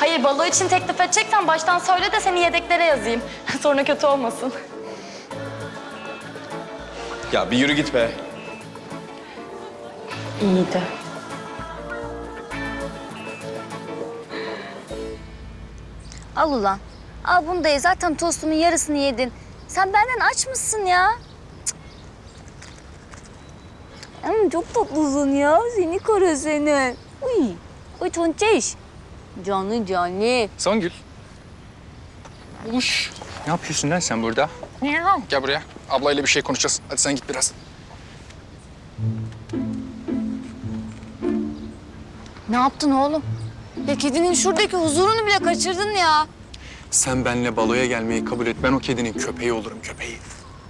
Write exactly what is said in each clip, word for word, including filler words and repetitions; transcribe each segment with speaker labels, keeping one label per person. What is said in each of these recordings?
Speaker 1: Hayır, balo için teklif edeceksen baştan söyle de seni yedeklere yazayım. Sonra kötü olmasın.
Speaker 2: Ya bir yürü git be.
Speaker 1: İyiydi.
Speaker 3: Al ulan. Al bunu da ye. Zaten tostumun yarısını yedin. Sen benden aç mısın ya? Cık. Ama çok tatlısın ya. Seni kara seni. Uy. Uy tonçeş. Canlı canlı.
Speaker 4: Songül. Uş. Ne yapıyorsun lan sen burada? Gel buraya. Ablayla bir şey konuşacağız. Hadi sen git biraz.
Speaker 3: Ne yaptın oğlum? Ya kedinin şuradaki huzurunu bile kaçırdın ya.
Speaker 4: Sen benimle baloya gelmeyi kabul et. Ben o kedinin köpeği olurum, köpeği.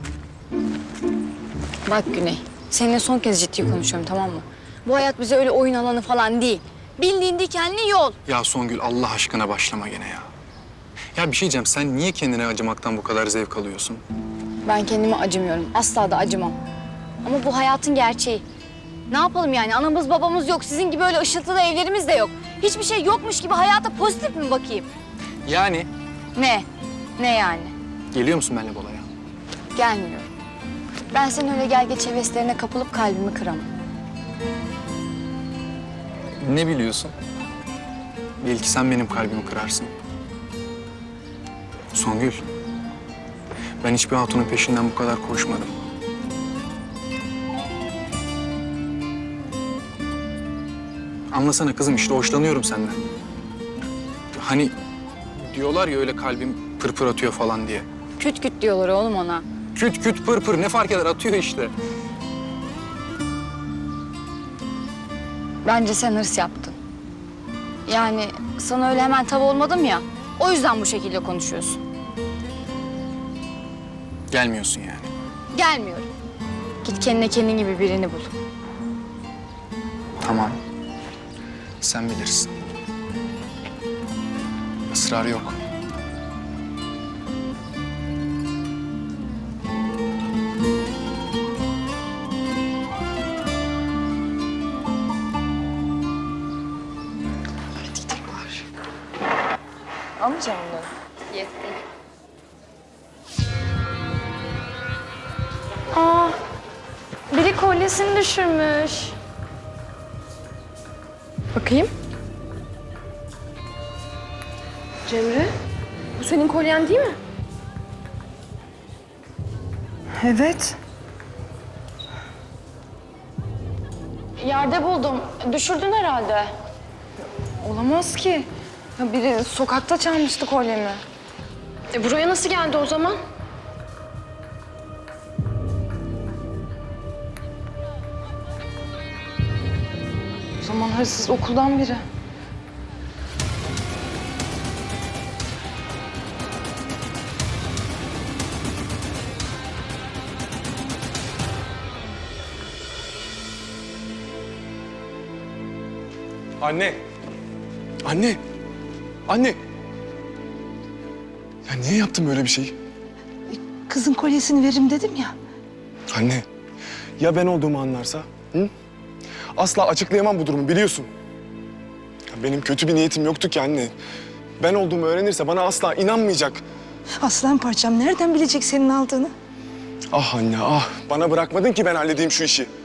Speaker 3: Bak Güney, seninle son kez ciddi konuşuyorum, tamam mı? Bu hayat bize öyle oyun alanı falan değil. Bildiğin dikenli yol.
Speaker 4: Ya Songül, Allah aşkına başlama gene ya. Ya bir şey diyeceğim. Sen niye kendine acımaktan bu kadar zevk alıyorsun?
Speaker 3: Ben kendime acımıyorum. Asla da acımam. Ama bu hayatın gerçeği. Ne yapalım yani? Anamız babamız yok. Sizin gibi öyle ışıltılı evlerimiz de yok. Hiçbir şey yokmuş gibi hayata pozitif mi bakayım?
Speaker 4: Yani
Speaker 3: Ne? Ne yani?
Speaker 4: geliyor musun benimle baloya?
Speaker 3: Gelmiyorum. Ben senin öyle gel geç heveslerine kapılıp kalbimi kıramam.
Speaker 4: Ne biliyorsun? Belki sen benim kalbimi kırarsın. Songül, ben hiçbir hatunun peşinden bu kadar koşmadım. Anlasana kızım, işte hoşlanıyorum senden. Hani diyorlar ya öyle kalbim pırpır atıyor falan diye.
Speaker 3: Küt küt diyorlar oğlum ona.
Speaker 4: Küt küt pır pır ne fark eder, atıyor işte.
Speaker 3: Bence sen hırs yaptın. Yani sana öyle hemen tav olmadım ya. O yüzden bu şekilde konuşuyorsun.
Speaker 4: Gelmiyorsun yani.
Speaker 3: Gelmiyorum. Git kendine kendin gibi birini bul.
Speaker 4: Tamam. Sen bilirsin. Israr yok.
Speaker 1: Almayacağım bunları.
Speaker 3: Yetti.
Speaker 1: Aa, biri kolyesini düşürmüş. Bakayım.
Speaker 5: Cemre, bu senin kolyen değil mi?
Speaker 1: Evet. Yerde buldum. Düşürdün herhalde.
Speaker 5: Olamaz ki. Ya biri sokakta çalmıştı kolyemi. E buraya nasıl geldi o zaman? O zaman hırsız okuldan biri.
Speaker 2: Anne. Anne. Anne. Ya niye yaptın böyle bir şeyi?
Speaker 6: Kızın kolyesini veririm dedim ya.
Speaker 2: Anne. Ya ben olduğumu anlarsa? Hı? Asla açıklayamam bu durumu biliyorsun. Ya benim kötü bir niyetim yoktu ki anne. Ben olduğumu öğrenirse bana asla inanmayacak.
Speaker 6: Aslan parçam nereden bilecek senin aldığını?
Speaker 2: Ah anne ah. Bana bırakmadın ki ben halledeyim şu işi.